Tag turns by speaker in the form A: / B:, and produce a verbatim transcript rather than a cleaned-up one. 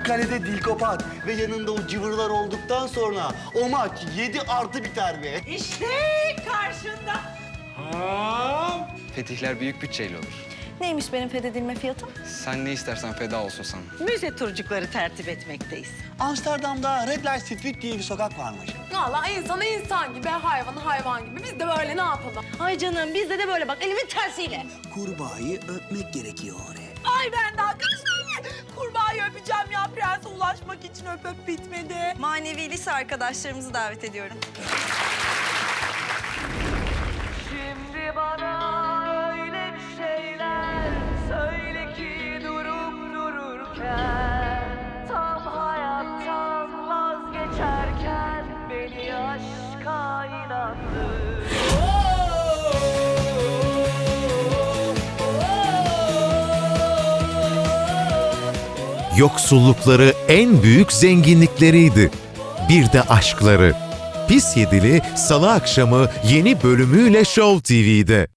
A: kalede Dilkopat ve yanında o cıvırlar olduktan sonra o maç yedi artı biter be.
B: İşte karşında.
C: Fetihler büyük bütçeyle olur.
D: Neymiş benim fethedilme fiyatım?
C: Sen ne istersen feda olsun sana.
B: Müze turcukları tertip etmekteyiz.
A: Amsterdam'da Red Light Street diye bir sokak varmış.
E: Valla insana insan gibi, hayvanı hayvan gibi. Biz de böyle ne yapalım?
D: Ay canım bizde de böyle bak elimin tersiyle.
A: Kurbağayı öpmek gerekiyor oraya.
B: Ay ben daha kaç tane kurbağayı öpeceğim ya. Prense ulaşmak için öp öp bitmedi.
D: Manevi lise arkadaşlarımızı davet ediyorum.
F: Şimdi bana öyle bir şeyler söyle ki durup dururken, tam hayattan vazgeçerken beni aşka inandır.
G: Yoksullukları en büyük zenginlikleriydi. Bir de aşkları. Pis Yedili Salı akşamı yeni bölümüyle Show T V'de.